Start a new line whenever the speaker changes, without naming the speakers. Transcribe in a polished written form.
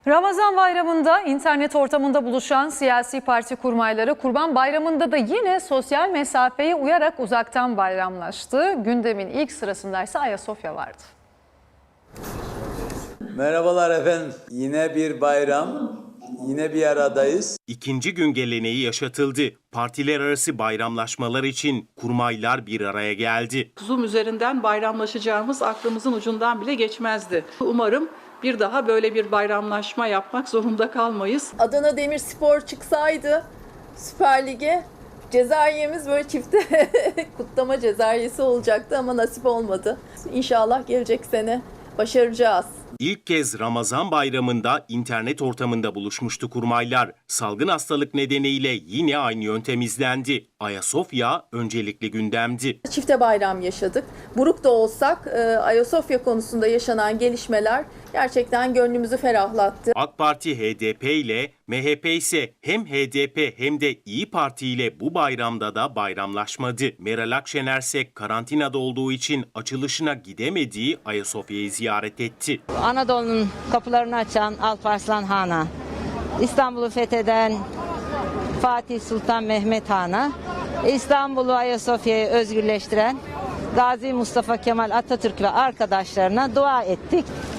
Ramazan bayramında internet ortamında buluşan siyasi parti kurmayları Kurban Bayramı'nda da yine sosyal mesafeye uyarak uzaktan bayramlaştı. Gündemin ilk sırasındaysa Ayasofya vardı.
Merhabalar efendim. Yine bir bayram, yine bir aradayız.
İkinci gün geleneği yaşatıldı. Partiler arası bayramlaşmalar için kurmaylar bir araya geldi.
Zoom üzerinden bayramlaşacağımız aklımızın ucundan bile geçmezdi. Umarım bir daha böyle bir bayramlaşma yapmak zorunda kalmayız.
Adana Demirspor çıksaydı Süper Lig'e cezayemiz böyle çifte kutlama cezayesi olacaktı ama nasip olmadı. İnşallah gelecek sene başaracağız.
İlk kez Ramazan bayramında internet ortamında buluşmuştu kurmaylar. Salgın hastalık nedeniyle yine aynı yöntem izlendi. Ayasofya öncelikli gündemdi.
Çifte bayram yaşadık. Buruk da olsak Ayasofya konusunda yaşanan gelişmeler gerçekten gönlümüzü ferahlattı.
AK Parti HDP ile MHP ise hem HDP hem de İyi Parti ile bu bayramda da bayramlaşmadı. Meral Akşener ise karantinada olduğu için açılışına gidemediği Ayasofya'yı ziyaret etti.
Anadolu'nun kapılarını açan Alparslan Han'a, İstanbul'u fetheden Fatih Sultan Mehmet Han'a, İstanbul'u Ayasofya'yı özgürleştiren Gazi Mustafa Kemal Atatürk ve arkadaşlarına dua ettik.